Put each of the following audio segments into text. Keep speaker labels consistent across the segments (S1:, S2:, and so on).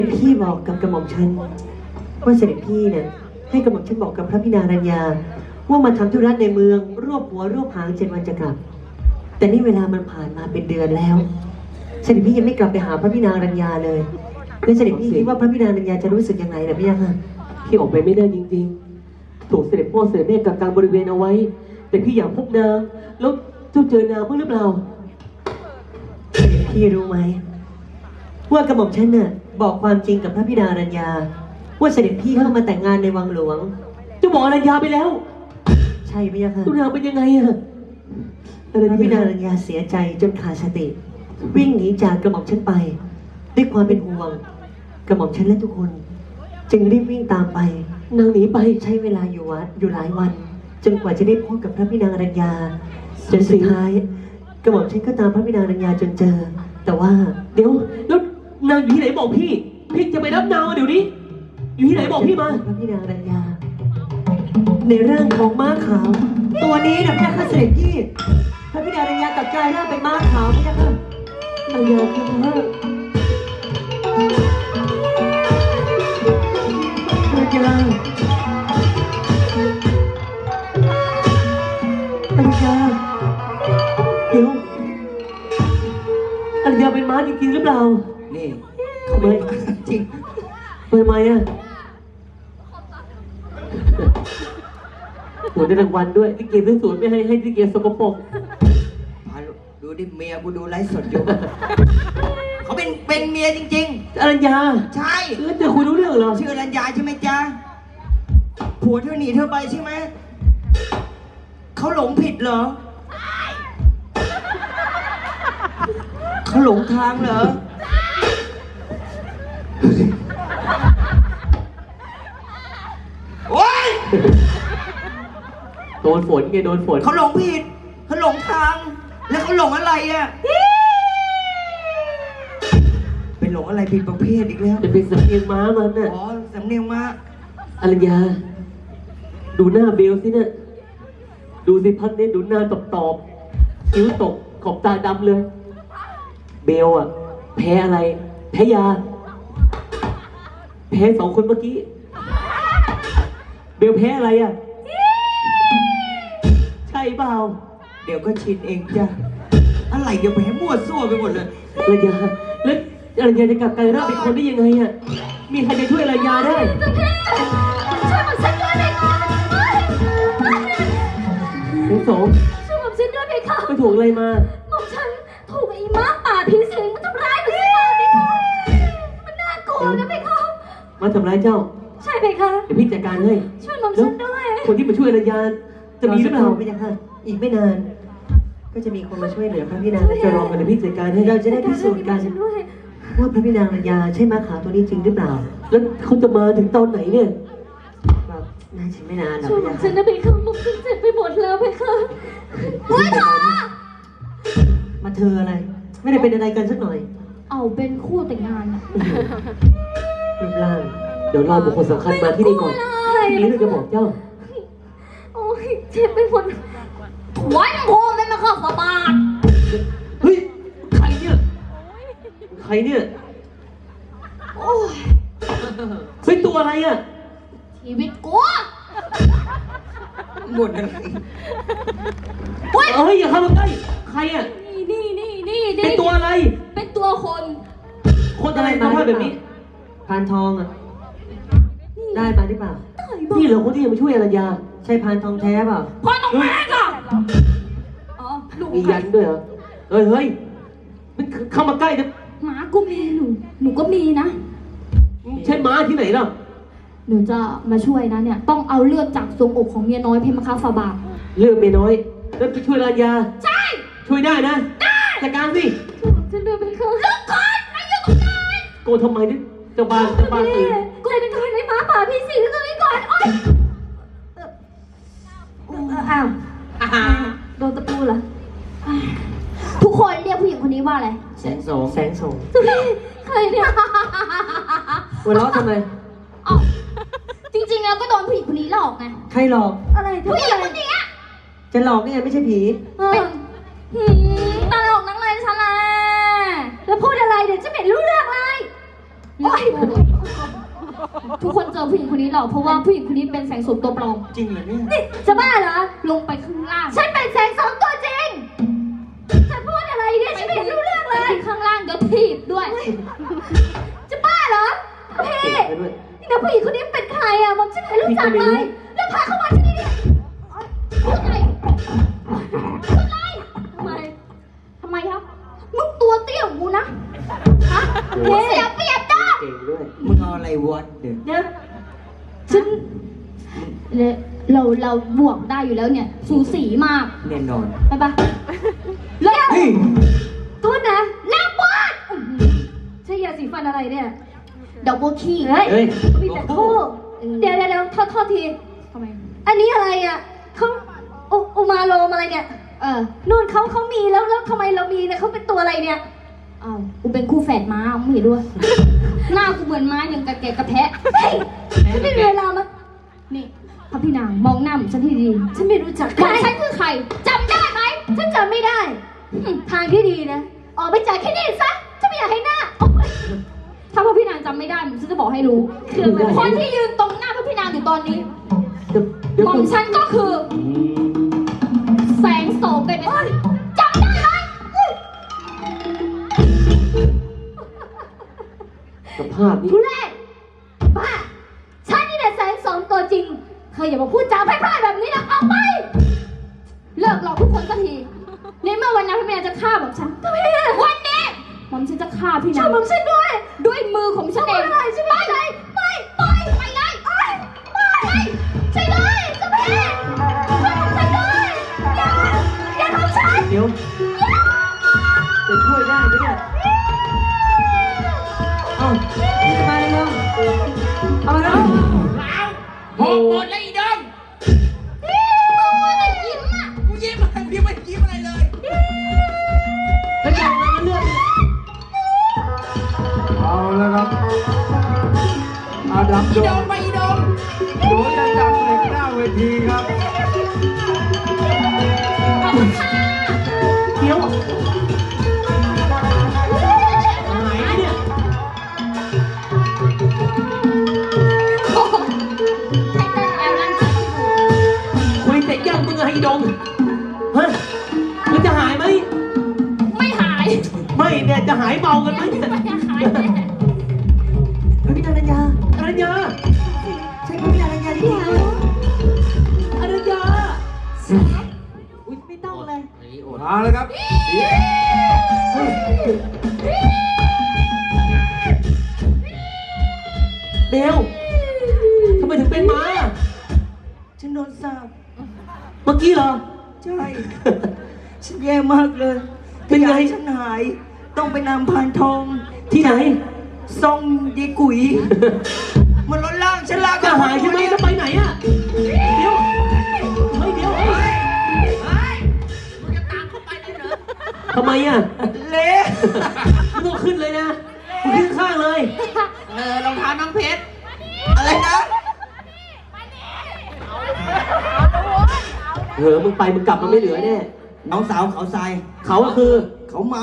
S1: พี่บอกกับกระหม่อมฉันว่าเสด็จพี่เนี่ยให้กระหม่อมฉันบอกกับพระพินารัญญาว่ามาทำธุระในเมืองรวบหัวรวบหาง7 วันจะกลับแต่นี่เวลามันผ่านมาเป็นเดือนแล้วเสด็จพี่ยังไม่กลับไปหาพระพินารัญญาเลยแล้วเสด็จพี่คิดว่าพระพินารัญญาจะรู้สึกยังไงล่ะพี่ยังค่ะ
S2: พี่ออกไปไม่ได้จริงๆถูกเสด็จพ่อเสด็จแม่กักกันบริเวณเอาไว้แต่พี่อยากพบนางแล้วเจ้าเจอนางเพิ่งหรือเปล่า
S1: พี่รู้ไหมว่ากระหม่อมฉันน่ะบอกความจริงกับพระพินารัญญาว่าเสด็จพี่เข้ามาแต่งงานในวังหลวง
S2: เจ้าบอกอรัญญาไปแล้ว
S1: ใช่พี่ยังค่ะ
S2: ตัวนางเป็นยังไงอะ
S1: พระพินารัญญาเสียใจจนขาดสติวิ่งหนีจากกระหม่อมฉันไปด้วยความเป็นห่วงกระหม่อมฉันและทุกคนจึงรีบวิ่งตามไป
S2: นางหนีไป
S1: ใช้เวลาอยู่วัดอยู่หลายวันจนกว่าจะได้พบกับพระพินารัญญาจนสุดท้ายกระหม่อมฉันก็ตามพระพินารัญญาจนเจอแต่ว่า
S2: เดี๋ยวแล้วนางอยู่ที่ไหนบอกพี่จะไปรับนางเดี๋ยวนี้อยู่ที่ไหนบอกพี่มา
S1: พระพินารัญญาในร่างของม้าขาวตัวนี้นะพี่ข้าเสด็จพี่พระพินารัญญาตัดใจร่างเป็นม้าขาวพี่ค่ะ
S2: อรัญญาคือว่า
S1: อรัญญา
S2: เดี๋ยวอรัญญาเป็นม้าจริงๆหรือเปล่า
S3: นี่
S2: ทำไม
S3: จริง
S2: ทำไมอ่ะหัวได้รางวัลด้วยที่เกมสวยๆไม่ให้ที่เกมสกปรก
S3: ดูดิเมียกูดูไลฟ์สดอยู่ เขาเป็นเมียจริง
S2: ๆอรัญญา
S3: ใช่
S2: แล้วจะคุยรู้เรื่องเหรอ
S3: ชื่ออรัญญาใช่ไหมจ๊ะผัวเธอหนีเธอไปใช่ไหมเขาหลงผิดเหรอเขาหลงทางเหรอโอ๊ย
S2: โดนฝนไงโดนฝน
S3: เขาหลงผิดเขาหลงทางแล้วเขาหลงอะไรอ่ะเป็นหลงอะไรผิดประเภทอีกแล้ว
S2: จะเป็นสำเนียงม้ามันน่ะ
S3: อ๋อสำเนียงม้า
S2: อรัญญาดูหน้าเบลสิเนี่ยดูสิพัดเนี่ยดูหน้าตอบคิ้วตกขอบตาดำเลยเบลอ่ะแพ้อะไรแพ้ยาแพ้2 คนเมื่อกี้เบลแพ้อะไรอ่ะใช่เปล่า
S3: เดี๋ยวก็ชินเองจ้ะอะไรเดี๋ยวแพ้มั่วซั่วไปหมดเลย
S2: อรัญญาแล้วอรัญญาจะกลับกลายร่างเป็นคนได้ยังไงอ่ะมีใครจะช่วยอรัญญาได้
S4: ช่วยผมฉันด้วยไหมคะ
S2: ทั้งสอง
S4: ช่วยผมฉันด้วยไหมคะ
S2: ไปถูกอะไรมา
S4: ผมฉันถูกไอ้ม้าป่าผีสิงมันทำร้ายมันสิมาไหมคะมันน่ากลัวนะไหมคะ
S2: มาทำร้ายเจ้า
S4: ใช่ไหมคะ
S2: เดี๋ยวพี่จัดการให้
S4: ช่วยผมฉันด้วย
S2: คนที่มาช่วยอรัญญาจะมีหรือเปล่า
S1: ไม่ยังค่ะอีกไม่นานก็จะมีคนมาช่วยเหลือพระพินา
S2: จะรอกันเดี๋ยวพี่จัดการให้
S1: เราจะได้พิสูจน์กันว่าพระพินารัญญาใช่ม้าขาวตัวนี้จริงหรือเปล่า
S2: แล้วเขาจะมาถึงตอนไหนเนี่ย
S1: น่าจะไม่นานหรอก
S4: ช่วยผมฉันนะพี่คะผมฉันเจ็บไปหมดแล้วพี่คะโอ๊ยเธอ
S1: มาเธออะไรไม่ได้เป็นอะไรกันสักหน่อย
S4: เอาเป็นคู่แต่งงานอะ
S1: รูปร่าง
S2: เดี๋ยวรอบุคคลสำคัญมาที่นี่ก่อนทีนี้เราจะบอกเจ้า
S4: โอ้ยเจ็บไปหมดไว้โง่ไม่มาเข้าสบาย
S2: เฮ้ยใครเนี่ยใครเนี่ย
S4: โอ้ย
S2: เฮ้ยตัวอะไรอ่ะ
S4: ชีวิตกู
S3: หมดอะไร
S2: เฮ้ยอย่าเข้ามาใกล้ใครอ่ะ
S4: นี่
S2: เป็นตัวอะไร
S4: เป็นตัวคน
S2: อะไรมาแบบนี้
S1: พานทองอ่ะได้มาหรือเปล่า
S2: นี่เหรอคนที่จะมาช่วยอรัญญา
S1: ใช่พานทองแท้เปล่า
S4: พานทองแท้ก่ะอ๋อ
S2: มียันด้วยเหรอเฮ้ยมันเข้ามาใกล้จะ
S4: หมากูมีหนูก็มีนะ
S2: ใช่ม้าที่ไหนล่ะ
S4: หนูจะมาช่วยนะเนี่ยต้องเอาเลือดจากทรวงอกของเมียน้อยเพมคาฟาบา
S2: เลือดเมียน้อยแล้วไปช่วยอรัญญา
S4: ใช่
S2: ช่วยได้นะ
S4: ได้
S2: จัดการสิ
S4: ฉันเดินไปค่ะลูกคนไม่อยู่ตรงนั้น
S2: โกรธทำไมเนี่ยจะบ้าตื่น
S4: กูเลยเป็นใครในม้าป่าพี่สิงห์เลยก่อนโอ๊ยอ้าวโดนตะปูเหรอทุกคนเรียกผู้หญิงคนนี้ว่าอะไร
S3: แสงโสม
S4: ใครเนี่ย
S1: หัวเราะทำไม
S4: อ๋อจริงๆแล้วก็โดนผู้หญิงคนนี้หลอกไง
S1: ใครหลอก
S4: อะไรผู้หญิงคนนี้
S1: จะหลอกนี่ไงไม่ใช่ผี
S4: เป็นตลกนักเลยฉันแหละแล้วพูดอะไรเดี๋ยวจะไม่รู้เรื่องเลยโอ๊ยทุกคนเจอผู้หญิงคนนี้หรอกเพราะว่าผู้หญิงคนนี้เป็นแสงสูงตัวปลอม
S3: จริงเหรอเนี่ย
S4: นี่จะบ้าเหรอ ลงไปข้างล่าง ฉันเป็นแสงสองตัวจริงฉันพูดอะไรเนี่ย ฉันไม่เห็นรู้เรื่องเลย ข้างล่างเดี๋ยวถีบด้วย จะบ้าเหรอพี่
S2: ไปด้วย
S4: นี่นะผู้หญิงคนนี้เป็นใครอ่ะผมฉันไม่รู้จักเลย แล้วพาเข้ามาที่นี่เนี่ยพูดไงพูดไงทำไมครับมึงตัวเตี้ยกว่ากูนะฮะมึงเสียเปรียบนะ
S2: เก่งด้วย
S3: มึงเอาอะไรวัดเดี๋ยว
S4: เดี๋ยวฉันเราบวกได้อยู่แล้วเนี่ย สูสีมาก
S3: แน่นอน
S4: ไปปะเลิก
S3: เฮ้ย
S4: โทษนะเลิกบอสใช่ยาสีฟันอะไรเนี่ยดอกบัวขี้เฮ้ย
S2: เฮ้ย
S4: มีแต่คู่เดี๋ยวโทษทีทำไมอันนี้อะไรอ่ะเขาอุมาโลมอะไรเนี่ยนู่นเขามีแล้วทำไมเรามีเนี่ยเขาเป็นตัวอะไรเนี่ยอ้าวกูเป็นคู่แฝดม้าไม่เห็นด้วย หน้ากูเหมือนม้าอย่างกระแกะกระแพะเฮ้ยฉันไม่มีเวลามานี่พระพี่นางมองหน้าฉันที่ดีฉันไม่รู้จักใครฉันคือใครจำได้ไหมฉันจำไม่ได้ทางที่ดีนะออกไปจากที่นี่ซะฉันไม่อยากให้หน้าถ้าพระพี่นางจำไม่ได้ฉันจะบอกให้รู้คนที่ยืนตรงหน้าพระพี่นางอยู่ตอนนี้
S1: เดี๋ยว
S4: หม่อมฉันก็คือ แสงโสมเป็นไหมจำได้ไหม
S2: สภาพนี้
S4: ทุเรศบ้าฉันนี่แหละแสงโสมตัวจริงเธออย่ามาพูดจาพร่ายๆแบบนี้นะเอาไปเลิกหลอกทุกคนสักทีในเมื่อวันนั้นพี่แม่จะฆ่าหม่อมฉันก็พี่วันนี้หม่อมฉันจะฆ่าพี่นางช่วยหม่อมฉันด้วยมือของฉันเองไม่ใช่ไหมไปเลยใช่เลยจะพี่ช่วยหม่อมฉันด้วยอย่าทำฉัน
S2: เดี๋ยวจะช่วยได้ไหมเนี่ย
S3: เอ้านี่จะมาเลยยังเอามาแล้ว
S5: โหหมดแล้วอีดง
S4: มึงว่าจะยิ้มอ่ะ
S5: กูยิ้มอะไรกูยังไม่ยิ้มอะไรเลย
S2: แล้วจะมาเลือก
S6: เอาแล้วครับอาดัม
S5: อี
S6: โด
S5: ดง
S6: น
S5: ไปอีดง
S6: โดนจะจับเหล็กหน้าเวทีครับ
S4: ขอบคุณค่ะ
S2: เดี๋ยวหายไปเนี่ย
S4: โอ้โหใช้เต้นแอลลันจัง
S2: คุยเสร็จยังมึงอะไอ้ดงฮะมันจะหายไหม
S4: ไม่หาย
S2: ไม่เนี่ยจะหายเมากันไหมเนี่ย
S4: ไม่หายแน่
S1: พระพินางรัญญา
S2: อรัญญา
S1: ใช่พระพินางรัญญาที่ไหน
S2: อรัญญา
S1: อุ๊ยไม่ต้องเลย
S6: มาแล้วครับ
S2: เบลทำไมถึงเป็นม้า
S3: ฉันโดนสาบ
S2: เมื่อกี้เหรอ
S3: ใช่ ฉันแย่มากเลย
S2: เป็นไง
S3: อยากให้ฉันหาย ต้องไปนำพานทอง
S2: ที่ไหน
S3: ทรงยีกุ๋ย มันลดล่างฉันลาก
S2: จะหายใช่ไหมจะไปไหนอะเดี๋ยวเฮ้ยเดี๋ยวเฮ้ย
S5: มึงจะตามเข้าไปเลยเหรอ
S2: ทำไมอะ
S3: เละ
S2: มึงต้องขึ้นเลยนะมึงขึ้นข้างเลย
S5: รองเท้าน้องเพชร
S3: อะไรนะ
S2: เออมึงไปมึงกลับมาไม่เหลือแน่
S3: น้องสาวเขาทราย
S2: เขาก็คือ
S3: เขาเมา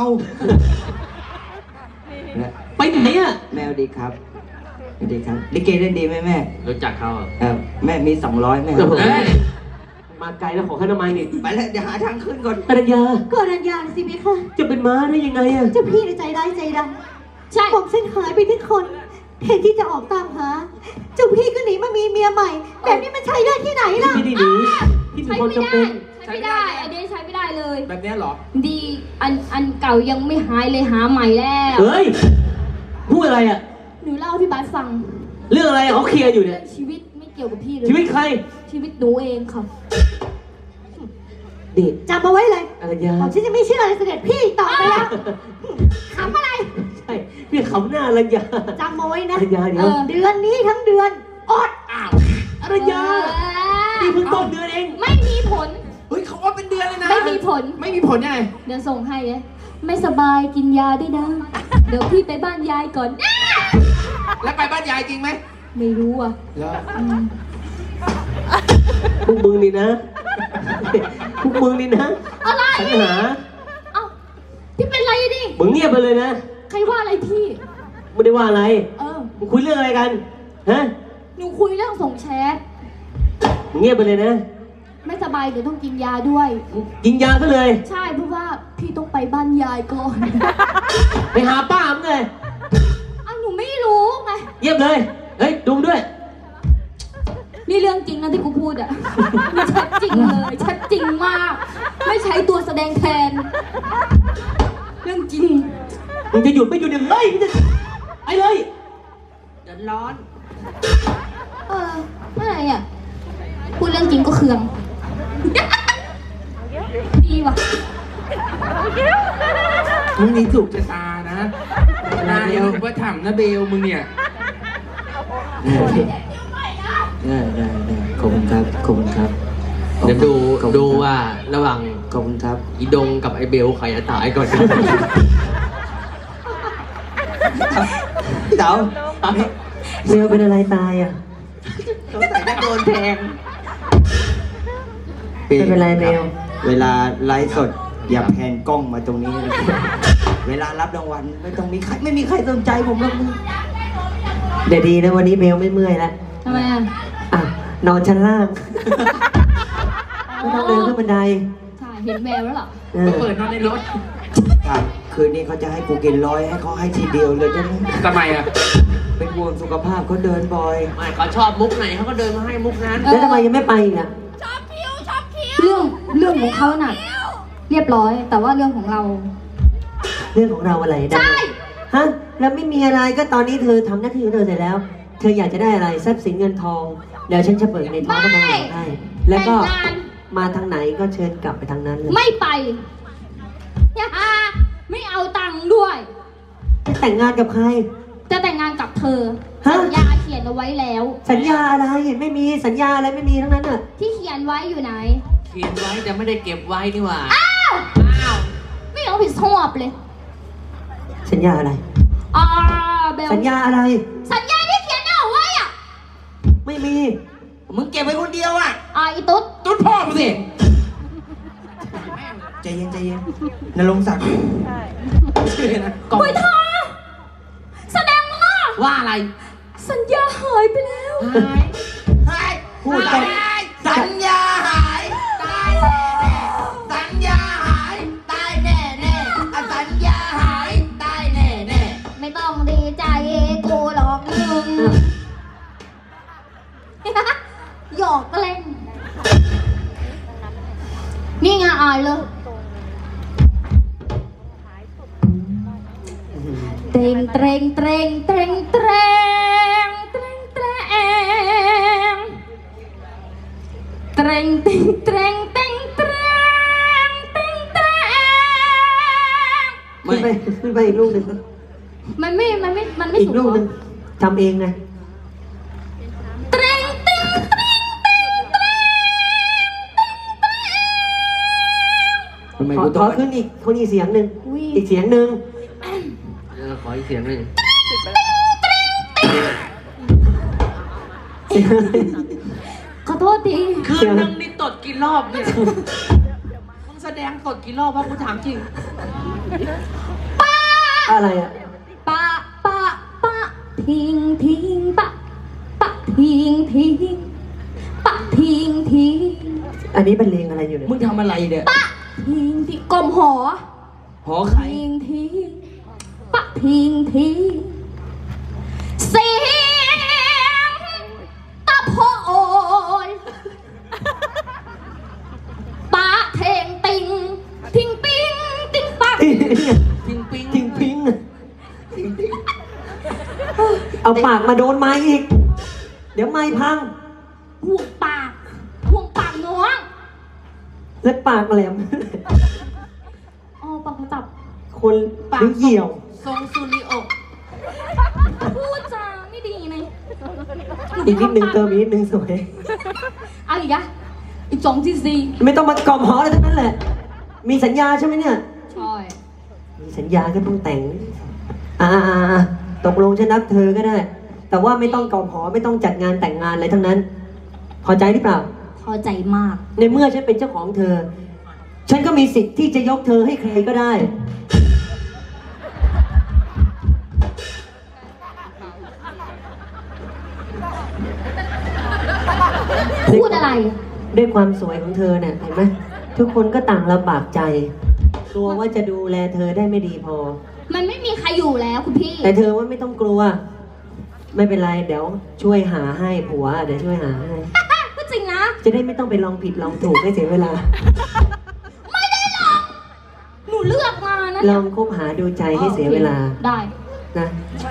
S2: ไปไหนอะ
S3: แมวดีครับสวัสดีครับลิเกเล่นดีไหมแม่
S5: รู้จักเขาอ่ะ
S3: แม่มี200แม่
S5: เฮ้ย
S2: มาไกลแล้วขอข้าทำไมนี่
S3: ไปแล้วเดี๋ยวหาทางขึ้นก่อน
S2: อรัญญา
S1: ก็รัญญาสิไหมคะ
S2: จะเป็นม้าได้ยังไงอะ
S1: เจ้าพี่ในใจร้ายใจด
S4: ใช่
S1: ำผมเส้นหายไปที่คนแทนที่จะออกตามหา เจ้าพี่ก็หนีมามีเมียใหม่ แบบนี้มันใช่ได้ที่ไหนล่ะ
S2: ไม่ได้หนีที่มี
S4: ใช้
S2: ความ
S4: ไม่
S2: จำ
S4: ได้
S2: เป็น
S4: ใช้ไม่ได้อันนี้ใช้ไม่ได้เลย
S5: แบบเนี้ยเหรอ
S4: ดีอันเก่ายังไม่หายเลยหาใหม่แล้ว
S2: เฮ้ยพูดอะไรอะ
S4: หนูเล่าให้พี่บาสฟัง
S2: เรื่องอะไรอะเขาเคลียร์อยู่เนี่
S4: เรื่
S2: ย
S4: องชีวิตไม่เกี่ยวกับพี่เลย
S2: ชีวิตใคร
S4: ชีวิตหนูเองค่ะ
S2: นี่
S1: จำเอาไว้เลย
S2: อรัญญา
S1: ผมฉันจะไม่เชื่อเลยเสด็จพี่ต่อไปแล้วขำอะไร
S2: ใช่พี่ขำหน้าอรัญญา
S1: จำเอาไว้นะ
S2: อรัญญาเดี๋ยว
S1: เดือนนี้ทั้งเดือนอด
S5: อ้าว
S2: อรัญญานี่เพิ่งต้นเดือนเอง
S4: ไม่มีผล
S5: เฮ้ยเขาว่าเป็นเดือนเลยนะ
S4: ไม่มีผล
S5: ไม่มีผลยังไง
S4: เดี๋ยวส่งให้เลยไม่สบายกินยาด้วยนะ เดี๋ยวพี่ไปบ้านยายก่อน
S5: แล้วไปบ้านยายจริงไหม
S4: ไม่รู้อ่ะ
S5: เหรอ
S2: พวกมึงนี่นะ พวกมึงนี่นะ
S4: อะไร
S2: ปัญหา
S4: เอ้าพี่เป็นไรดิ
S2: มึงเงียบไปเลยนะ
S4: ใครว่าอะไรพี่
S2: มไม่ได้ว่าอะไร
S4: เออ
S2: มึงคุยเรื่องอะไรกัน ฮะ
S4: หนูคุยเรื่องส่งแชท
S2: มึงเงียบไปเลยนะ
S4: ไม่สบายเดี๋ยวต้องกินยาด้วย
S2: กินยาซะเลย
S4: ใช่เพราะว่าพี่ต้องไปบ้านยายก่อน
S2: ไปหาป้ามึงเลย
S4: อ้าวหนูไม่รู้ไง
S2: เงียบเลย เฮ้ย ดูด้วย
S4: นี่เรื่องจริงนะที่กูพูดอะนี่ชัดจริงเลยชัดจริงมาก ไม่ใช้ตัวแสดงแทน เรื่องจริง
S2: มึงจะหยุดไม่หยุดเนี่ยเฮ้ยมึงจะไปเลย
S3: เดือดร้อน
S4: เอออะไรอะพูดเรื่องจริงก็เคือง ดีว่ะ
S5: มึงนี่ถูกชะตานะนายยังว่าถามนะเบลมึงเนี่ย
S3: ได้ขอบคุณครับขอบคุณครับ
S5: เดี๋ยวดูว่าระหว่าง
S3: ขอบคุณครับ
S5: อีดงกับไอเบลใครจะตายก่อน
S3: เต๋า
S1: เบลเป็นอะไรตายอ่ะ
S3: สงสัยจะโดนแทง
S1: ไม่เป็นไรเบล
S3: เวลาไลฟ์สดอย่าแพนกล้องมาตรงนี้เลยเวลารับรางวัลไม่มีใครสนใจผมหรอกมึง
S1: เดี๋ยวดีนะวันนี้เบลไม่เมื่อยแล้ว
S4: ทำไมอะ
S1: อ่ะนอนชั้นล่าง ไม่ต้องเดินขึ้นบันได
S4: ใช่เห็นแววแล้วเหรอ
S1: เออ
S5: เปิดนอนในรถ
S3: ครับคืนนี้เขาจะให้กูกิน100ให้เขาให้ทีเดียวเลยจ้ะนี่
S5: ทำไมอ่ะ
S3: เป็นห่วงสุขภาพเขาเดินบ่อย
S5: ไม่เขาชอบมุกไหนเขาก็เดินมาให้มุกนั้น
S1: แล้วทำไมยังไม่ไปอีกอ่ะ
S4: เรื่องของเขาน่ะ เรียบร้อย แต่ว่าเรื่องของเรา
S1: เรื่องของเราอะไรได้
S4: ใช่
S1: ฮะ แล้วไม่มีอะไรก็ตอนนี้เธอทำหน้าที่ของเธอเสร็จแล้ว เธออยากจะได้อะไรทรัพย์สินเงินทอง เดี๋ยวฉันจะเปิดในท้องก็ต้องบอกให้ แล้วก็
S4: แต่งงาน
S1: มาทางไหนก็เชิญกลับไปทางนั้นเลย
S4: ไม่ไปไม่เอาตังค์ด้วย
S1: จะแต่งงานกับใคร
S4: จะแต่งงานกับเธอ
S1: ฮะ
S4: สัญญาเขียนเอาไว้แล้ว
S1: สัญญาอะไรไม่มีสัญญาอะไรไม่มีทั้งนั้นอ่ะ
S4: ที่เขียนไว้อยู่ไหน
S5: เขียนไว้แต่ไม่ได้เก็บไว้นี่หว่า
S4: ไม่เอาผิดชอบเลย
S1: สัญญาอะไร
S4: อ่าเบล
S1: สัญญาอะไร
S4: สัญญาที่เขียนเอาไว้อ่ะ
S1: ไม่มี
S3: มึงเก็บไว้คนเดียวอ่ะ
S4: อีตุ๊ด
S5: ตุ้นพ่อมึงสิ
S3: ใจเย็นนรงค์ศักดิ์
S5: กล่อง
S4: เฮ้ยเธอแสดงว่า
S5: ว่าอะไร
S4: สัญญาหายไปแล้ว
S3: พูดไปสัญญาหายตายแน่ๆสัญญาหายตายแน่ๆสัญญาหายตายแน่
S4: ไม่ต้องดีใจกูหรอกมึง หยอกก็เล่น นี่ไงอายเลยเตรงเตรงเตรงเตรงเตรงเตรงเตรงเตรงเตรงเตรงเตรงเตรงเตรงเตรง
S1: ขึ้นไปอีกลูกหนึ่ง
S4: มันไม่
S1: อีก
S4: สูง
S1: ลูก
S4: เหร
S1: หนึ่งทำเองไง
S4: เตรงเตรงเตรงเตรงเตรง
S3: ทำไม
S1: ขอ
S3: กู
S1: ข
S3: ต้อ
S1: อง ขึ้นอีกคนอีกเสียงหนึ่ง
S4: อุ้ย
S1: อีกเสียงหนึ่ง
S5: ขออีกเสียงหนึ่ง
S1: เสียงอะไร
S4: ขอโทษที
S5: คืนนึงนี่ตดกี่รอบเนี่ย มึงแสดงตดกี่รอบวะกูถามจริง
S1: อะไรอ่ะ
S4: ปะทิ้งปะทิ้งปะทิ้ง
S1: อันนี้เป็นเลงอะไรอยู่เนี่ย
S3: มึงทำอะไรเนี่ย
S4: ทิ้งกลมหอ
S3: หอไข่
S4: ทิ้งปะทิ้งเสียงตะโพนปะเทงติงทิ้งปิงติ้งปัก
S5: พิงปิง
S1: ทิ้งพิงเอาปากมาโดนไม้อีก เดี๋ยวไม้พัง
S4: ห่วงปากน้อง
S1: แล้วปากแหลม
S4: อ๋อปากจับ
S1: คนหรือเหี่ยว
S5: ทรงซูนิโอ
S4: พูดจาไม่ดีนะ
S1: อีกนิดนึงเติมอีกนิดนึงสวย
S4: เอาอีกอะอีก2 cc
S1: ไม่ต้องมากล่อมหออะไรทั้งนั้นแหละ มีสัญญาใช่ไหมเนี่ย
S4: ใช่
S1: มีสัญญาก็ต้องแต่ง ตกลงฉันนับเธอก็ได้ แต่ว่าไม่ต้องกล่อมหอไม่ต้องจัดงานแต่งงานอะไรทั้งนั้น พอใจหรือเปล่า
S4: พอใจมาก
S1: ในเมื่อฉันเป็นเจ้าของเธอ ฉันก็มีสิทธิ์ที่จะยกเธอให้ใครก็ได้
S4: พูดอะไร
S1: ด้วยความสวยของเธอเนี่ยเห็นไหมทุกคนก็ต่างลำบากใจกลัวว่าจะดูแลเธอได้ไม่ดีพอ
S4: มันไม่มีใครอยู่แล้วคุณพี่
S1: แต่เธอว่าไม่ต้องกลัว ไม่เป็นไรเดี๋ยวช่วยหาให้ผัวเดี๋ยวช่วยหาให้
S4: ก็จริงนะ
S1: จะได้ไม่ต้องไปลองผิดลองถูกให้เสียเวลา
S4: ไม่ได้หรอก หนูเลือกมานะ
S1: ลองคบหาดูใจให้เสียเวลา
S4: ได้
S1: นะ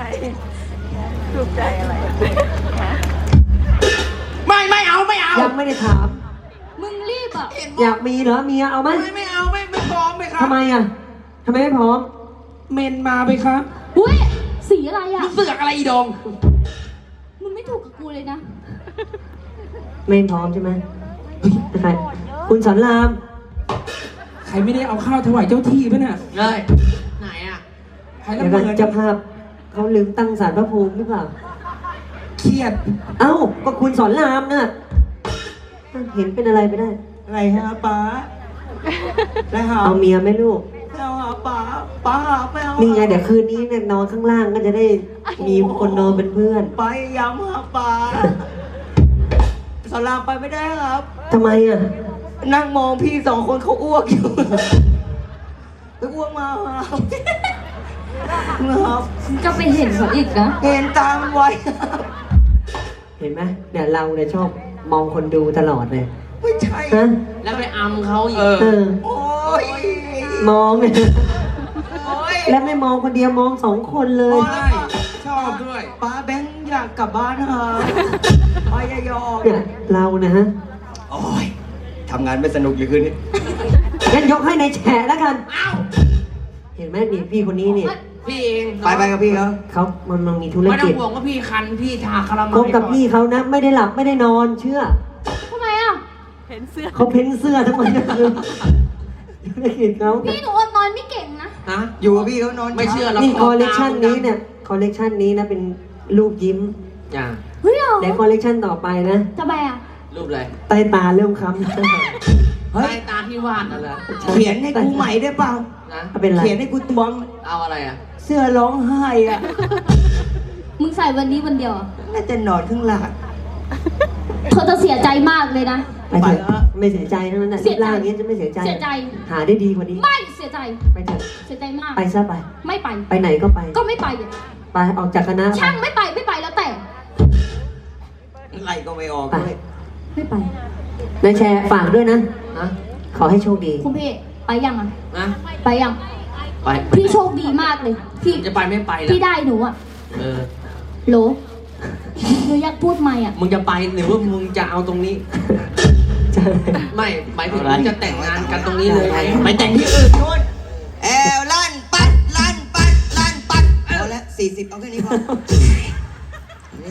S3: ไม่เอาไม่เอา
S1: ยังไม่ได้ถาม
S4: มึงรีบอ่ะ
S1: อยากมีเหรอเมียเอาไหม
S3: ไม่เอาไม่พร้อมไหมครับ
S1: ทำไมอ่ะทำไมไม่พร้อม
S3: เมนมาไหมครับ
S4: อุ้ย สีอะไรอ่ะ
S3: มึงเสือกอะไรอีดง
S4: มึงไม่ถูกกับกูเลยนะ
S1: ไม่พร้อมใช่ไหมใครคุณสอนราม
S6: ใครไม่ได้เอาข้าวถวายเจ้าที่ป่ะเนี่ย
S5: เลยไหนอ่ะ
S6: ใคร
S1: เดี๋
S6: ละ
S1: ยว
S6: เม
S1: ก่อน
S6: อ
S1: เจ้าภาพเขาลืมตั้งศาลพระภูมิหรือเปล่า
S6: เครียด
S1: เอ้าก็คุณสอนรามน่ะเห็นเป็นอะไรไปได้
S3: อะไรฮะป้าได้หา
S1: เอาเมียไหมลูก
S3: ไม่เอาหาป้าหาไม่เอา
S1: นี่ไงเดี๋ยวคืนนี้เนี่ยนอนข้างล่างก็จะได้มีคนนอนเป็นเพื่อน
S3: ไปย้ำหาป้าสอนรามไปไม่ได้ครับ
S1: ทำไมอ่ะ
S3: นั่งมองพี่สองคนเขาอ้วกอยู่ไปอ้วกมาครับครับ
S4: จะไปเห็นเขาอีกนะ
S3: เห็นตามันไวครับ
S1: เห็นไหมเนี่ยเราเนี่ยชอบมองคนดูตลอดเลย
S3: ไม่ใช่
S1: ฮะ
S5: แล้วไปอำเขาอีก
S1: เออ
S3: โอ้ย
S1: มองเนี่ย
S3: โอ้ย
S1: และไม่มองคนเดียวมองสองคนเลย
S3: ใช่ชอบด้วยป้าแบงค์อยากกลับบ้านครับป้าอย่ายอม
S1: เนี่ยเรานะฮะ
S3: โอ้ยทำงานไม่สนุกเลยคืนนี้
S1: งั้นยกให้ในายแฉะแล้วกัน
S5: อ้าว
S1: เห็นไหมนี่พี่คนนี้เนี่ย
S5: พี่เอง
S3: ไปกับพี่เขา
S1: เขามันมีธุร
S5: ไม่ต้อ
S1: กิ
S5: ง
S1: จ
S5: ห่วงว่าพี่คันพี่ทาคาราเมล
S1: คบกับพี่เขานะไม่ได้หลับไม่ได้นอนเชื่อ
S4: ทำไมอ่ะ
S1: เขาเพ้นเสื้อทั้งวันทั้งคืนธุรกิจเขา
S4: พี่หนูนอนไม่เก่งนะ
S5: ฮะ
S3: อยู่กับพี่เขานอน
S5: ไม่เชื่อหรอก
S1: นี่คอลเลกชันนี้เนี่ยคอลเลกชันนี้นะเป็นรูปยิ้ม
S5: จ้า
S4: เฮ้ยเหรอ
S1: เดี๋ยวคอลเลกชันต่อไปนะ
S4: ทำไมอ่ะ
S5: รูปอะไร
S1: ใต้ตาเริ่มค้ำ
S3: เฮ้
S5: ใต้
S3: ย
S5: ตาที่วาดอะไร
S3: เขียนให้กูใหม่ได้เปล่า
S5: นะ
S1: เป็นไร
S3: เขียนให้กูตวง
S5: เอาอะไรอ่ะ
S3: เสื้อร้องไห้อ่ะ
S4: มึงใส่วันนี้วันเดียวเหรอ
S3: น่าจะนอนข้างหลัง
S4: เธอจะเสียใจมากเลยนะ
S1: ไปเถอะไม่เสียใจทั้งนั้นนะ
S4: เสี
S1: รู
S4: ย
S1: ป
S4: ใจ
S1: ร่างอย่างนี้จะไม่เสียใจ
S4: เสียใจ
S1: หาได้ดีกว่านี้
S4: ไม่เสียใจ
S1: ไปเถอะ
S4: เสียใจมาก
S1: ไปซะไป
S4: ไม่ไป
S1: ไปไหนก็ไป
S4: ก็ไม่ไป
S1: ไปออกจากคณะไป
S4: ช่างไม่ไปไม่ไปแล้วแต่
S3: ไล่ก็ไม่ออก
S1: ไป
S3: ด้วย
S4: ไม่ไป
S1: นายแชร์ฝากด้วยนะ
S5: นะ
S1: ขอให้โชคดี
S4: คุณพี่ไปยังอ่ะ
S5: นะ
S4: ไปยัง
S5: ไป
S4: พี่โชคดีมากเลย ที่
S5: จะไปไม่ไปแล้ว
S4: ที่ได้หนูอ่ะ
S5: เออ
S4: โหลหนูอยากพูดใหม่อ่ะ
S5: มึงจะไปหรือว่ามึงจะเอาตรงนี้
S1: ใช่
S5: ไม่หมายถึงมึงจะแต่งงานกันตรงนี้เลยไหม
S3: ไปแต่งที่อื่นนู่นแอลลั่นปัดลั่นปัดลั่นปัดเอาละ40เอาแค่นี้พอนี่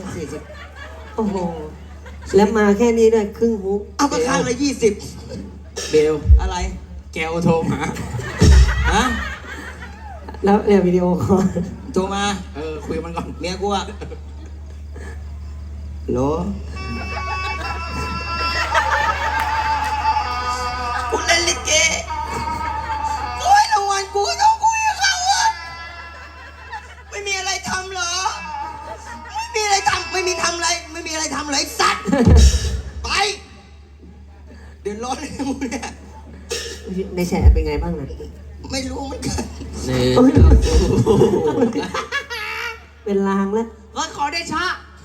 S3: 40
S1: โอ้โห แล้วมาแค่นี้ด้วยครึ่งฮุก
S3: เอาก็ข้างละ20
S5: เบล
S3: อะไร
S5: แกวโทรมา
S3: ฮะ
S1: แล้วเนี่ยวิดีโอคอล
S3: โทรมาคุยกับมันก่อนเมียกูอะโหลกูเล่นลิเกโอ้ยรางวัลกูก็ต้องคุยกับเขาอะไม่มีอะไรทำเหรอ ไม่มีอะไรทำไม่มีทำอะไรไม่มีอะไรทำเลยไอ้สัตว์ ไป เดือดร้อนเลยมึงเนี่ย
S1: ในแฉเป็นไงบ้างนะ
S3: ไม่รู้เหมือนกัน
S5: นี่
S1: โอ้ยเป็นลางแล้ว
S5: ก็ขอได้ชะ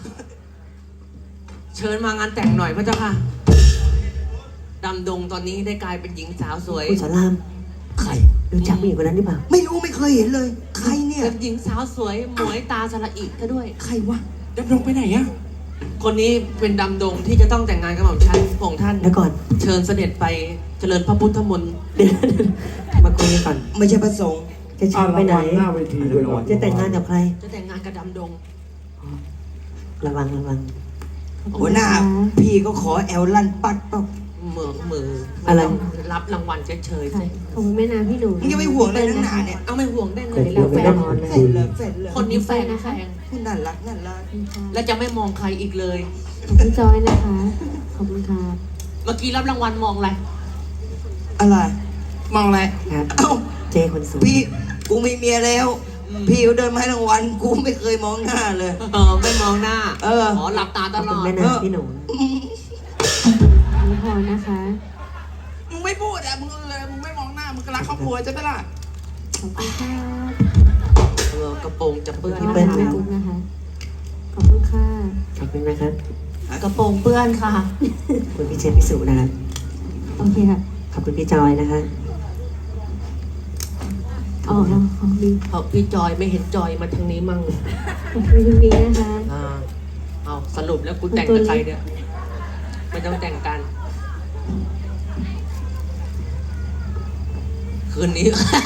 S5: เชิญมางานแต่งหน่อยพระเจ้าค่ะ ดำดงตอนนี้ได้กลายเป็นหญิงสาวสวย
S1: คุณสอนราม
S3: ใคร
S1: รู้จักผู้หญิงคนนั้นหรือเปล่า
S3: ไม่รู้ไม่เคยเห็นเลย ใครเนี่ย
S5: เป็นหญิงสาวสวยหมวยตาสละอิซะด้วย
S3: ใครวะ
S6: ดำดงไปไหนอะ
S5: คนนี้เป็นดำดงที่จะต้องแต่งงานกับหม่อมชันพระองค์ท่าน
S1: เดี๋ยวก่อน
S5: เชิญเสด็จไปเจริญพระพุทธมนต์
S1: เดี๋ยวมาคุยกันก่อน
S3: ไม่ใช่ประสงค์
S1: จะเชิญไปไหน
S6: หน้าเวทีเลยก่อน
S1: จะแต่งงานกับใคร
S5: จะแต่งงานกับดำดง
S1: ระวังระวัง
S3: หัวหน้า พี่ก็ขอแอลลั่นปัดเปล่า
S5: มือ
S1: อะไร
S5: รับรางวัลเฉยๆสิ
S1: ขอบคุณแม่นาพี่หนู
S3: มึงจะไปห่วงอะไรนักหนาเนี่ย
S5: เอาไม่ห่วงได้ไง
S1: เดี๋ยว
S5: แล้ว
S1: ไป
S5: แฟน
S1: นอนเลย
S3: เสร็จเลยเสร็จเลย
S5: คนนี้แฟนแฟน
S3: คุณน่ารักน่ารัก
S5: และจะไม่มองใครอีกเลย
S1: พี่จอยนะคะ ขอบคุณค่ะ
S5: เมื่อกี้รับรางวัลมองอะไร
S3: อะไร
S5: มองอะไร
S1: ครับ
S3: เอ้า
S1: เจคนสวย
S3: พี่กูมีเมียแล้ว
S5: ม
S3: พี่เขาเดินมาให้รางวัลกูไม่เคยมองหน้าเลย
S5: ไม่มองหน้า
S3: เออ
S5: ขอหลับตาต
S1: ขอบ
S5: ล
S1: คุณ
S5: อด
S1: แม่นาพี่หนู
S4: ไม่พอนะคะ
S5: มึงไม่พูดอ่ะมึงเลยมึงไม่มองหน้ามึงก็รักครอบครัวใช่ไหมล่ะ
S4: ขอบคุณค่ะ
S5: กระโปรงจะเปื้อน
S1: พี่เปิ้ล
S4: ขอบคุณนะคะ ขอบคุณค่ะ
S1: ขอบคุณนะครับ
S5: กระโปรงเปื้อนค่ะ
S1: ขอบคุณพี่เชฟพี่สุนะครับ
S4: โอเคค่ะ
S1: ขอบคุณพี่จอยนะคะ
S4: อ๋อของดี
S5: เพราะพี่จอยไม่เห็นจอยมาทางนี้มั่ง
S4: ขอบคุณคุณดีนะคะ
S5: เอาสรุปแล้วกูแต่งกับใครเนี่ยไม่ต้องแต่งกัน คืนนี้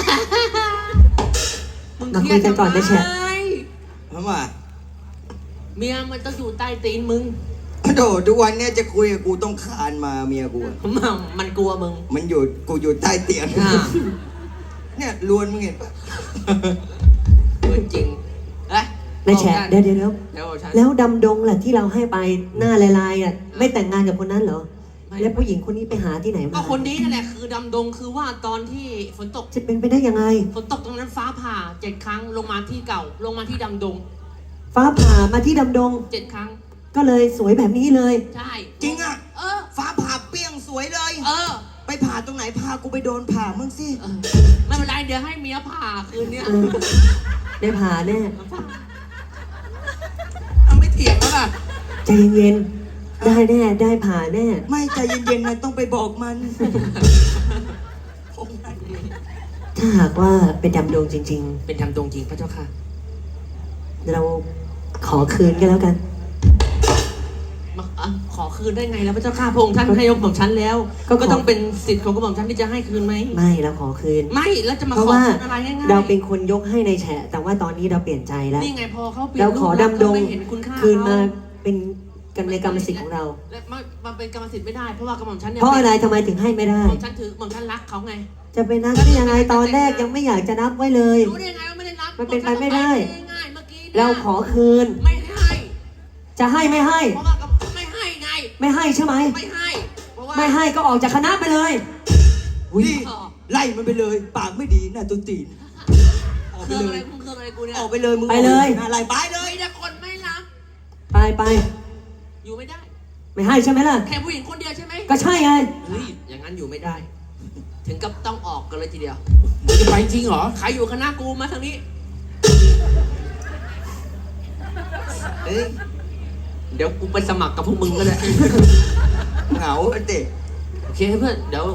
S1: มาคุยกันก่อนนะแชท
S3: เพราะว่า
S5: เมียมันต้องอยู่ใต้ตีนมึง
S3: โดทุกวันเนี่ยจะคุยกับกูต้องคานมาเมียกูอะ
S5: มันกลัวมึง
S3: มันอยู่กูอยู่ใต้เตียง
S5: อ่า
S3: เนี่ยลวนมึงเห็นปะ
S5: เออจริงเอ้ย
S1: นายแฉะเดี๋ยว
S5: เดี๋ยวฉัน
S1: แล้วดำดงล่ะที่เราให้ไปหน้าลายๆอ่ะไม่แต่งงานกับคนนั้นเหรอ
S5: ไม่
S1: แล้วผู้หญิงคนนี้ไปหาที่ไหน
S5: ก็
S1: มา
S5: คนนี้นั่นแหละคือดำดงคือว่าตอนที่ฝนตก
S1: จะเป็นไปได้ยังไง
S5: ฝนตกตรงนั้นฟ้าผ่า7 ครั้งลงมาที่เก่า ลงมาที่ดำดง
S1: ฟ้าผ่ามาที่ดำดง
S5: 7 ครั้ง
S1: ก็เลยสวยแบบนี้เลย
S5: ใช่
S3: จริงอ่ะ
S5: เออ
S3: ฟ้าผ่าเปรี้ยงสวยเลย
S5: เออ
S3: ไปผ่าตรงไหนพากูไปโดนผ่ามึงสิ
S5: เออไม่เป็นไรเดี๋ยวให้เมียผ่าคืนเนี้ย
S1: เออ ได้ผ่าแน่
S5: เอาไม่เถียงแล้วล่ะ
S1: ใจเย็นๆได้แน่ได้ผ่าแน่
S3: ไม่ใจเย็นๆนะต้องไปบอกมัน
S1: ถ้าหากว่าเป็นดำดงจริง
S5: เป็นดำดงจริงพระเจ้าค่ะ
S1: ๆ เราขอคืนก็แล้วกัน
S5: ขอคืนได้ไงแล้วพระเจ้าค่ะพระองค์ท่านให้ยกของฉันแล้ว
S1: ก็ขอ
S5: ก็ต้องเป็นสิทธิ์ของกระหม่อมฉันที่จะให้คืนไหม
S1: ไม่เราขอคืน
S5: ไม่แล้วจะมา
S1: เพ
S5: ข
S1: ราะ
S5: อ
S1: ว่า
S5: คืนอะไรง่ายๆ
S1: เราเป็นคนยกให้ในแฉะแต่ว่าตอนนี้เราเปลี่ยนใจแล้ว
S5: นี่ไงพอเขาเปลี่ยน
S1: เราขอ
S5: รูปลักษณ์
S1: ดำดง
S5: ก็ไม่เห็นคุณค่า
S1: คืนมา
S5: เข
S1: เป็นกันในกรรมสิทธิ์ของเรา
S5: และมันเป็นกรรมสิทธิ์ไม่ได้เพราะว่ากระหม่อมฉันเนี่ย
S1: เพราะอะไรทำไมถึงให้ไม่ได้
S5: กระหม่อมฉันถือกระหม่อมฉันรักเขาไง
S1: จะเป็นนักได้ยังไงตอนแรกยังไม่อยากจะนับไว้เลย
S5: รู้ได้ยังไงว่าไม่ได้รับ
S1: มันเป็นไปไม่ได้
S5: ง่ายๆเมื่อกี้นี่ย
S1: เราขอคืน
S5: ไม่ให้
S1: จะให้ไม่ให้
S5: เพราะว่าไม่ให้ไง
S1: ไม่ให้ใช่ไหม
S5: ไม่ให้เพราะว่า
S1: ไม่ให้ก็ออกจากคณะไปเลย
S3: นี่ไล่มันไปเลย ปากไม่ดีน่าตุตีนออก
S5: เค
S3: ไป
S5: รื่อง
S3: เล
S5: อะไร
S3: ย
S5: มึงเครื่องอะไรกูเนี่ย
S3: ออกไปเลยมึง
S1: ไปเลย
S3: อะไรไปเล
S5: เลย ยนะคนไม่รับ
S1: ไป
S5: อยู่ไม่ได้
S1: ไม่ให้ใช่ไหมล่ะ
S5: แค่ผู้หญิงคนเดียวใช่ไหม
S1: ก็ใช่ไง
S5: เฮ้ยอย่างนั้นอยู่ไม่ได้ ถึงกับต้องออกกันเลยทีเดียว
S6: มึงจะไปจริงเหรอ
S5: ใครอยู่คณะกูมาทางนี้
S3: เอ้ย
S5: เดี๋ยวกูไปสมัครกับพวกมึงก็ได้
S3: เหงาเด็ก
S5: โอเคเพื่อนเดี๋ยว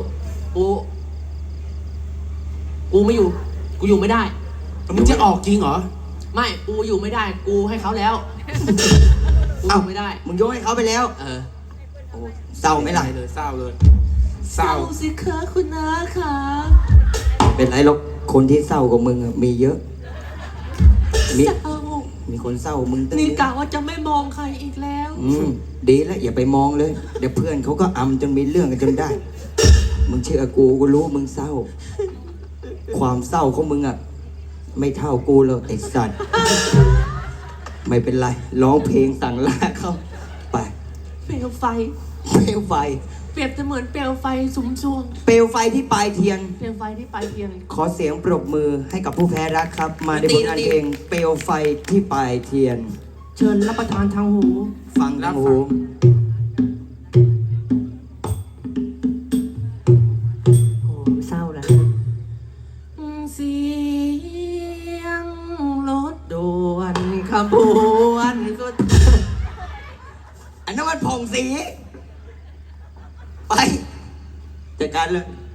S5: กูไม่อยู่ กูอยู่ไม่ได้
S6: มึงจะออกจริงเหรอ
S5: ไม่กูอยู่ไม่ได้ กูให้เขาแล้วกูอยู่ไม่ได้
S3: มึงยกให้เขาไปแล้ว
S5: เออ
S3: โอ้เศร้าไหมล่ะ
S6: เลยเศร้าเลย เศร้า
S5: สิคะคุณน้าค่ะ
S3: เป็นไรหรอกคนที่เศร้ากว่ามึงอะมีเยอะ มี
S5: เศร้า
S3: มีคนเศร้ากว่ามึงตั้ง
S5: นี่
S3: เยอะ
S5: กะว่าจะไม่มองใครอีกแล้ว
S3: ดีแล้วอย่าไปมองเลย เดี๋ยวเพื่อนเขาก็อำจนมีเรื่องกันจนได้ มึงเชื่อกูรู้มึงเศร้า ความเศร้าของมึงอะไม่เท่ากูเลยไอ้สัตว์ ไม่เป็นไรร้องเพลงสั่งลาเขาไป
S5: เปลวไฟ
S3: เปลวไฟ
S5: เปรียบเสมือนเปลวไฟสุมชวง
S3: เปลวไฟที่ปลายเทียน
S5: เปลวไฟที่ปลายเทียน
S3: ขอเสียงปรบมือให้กับผู้แพ้รักครับ มาในบทงานเพลงเปลวไฟที่ปลายเทียน
S5: เชิญรับประทานทางหู
S3: ฟังนะหู
S1: โอ้เศร้าแล้ว
S5: เสียงรถด่วนขบวนก็
S3: อันนั้นมันผ่องสี ไปจัดการเลย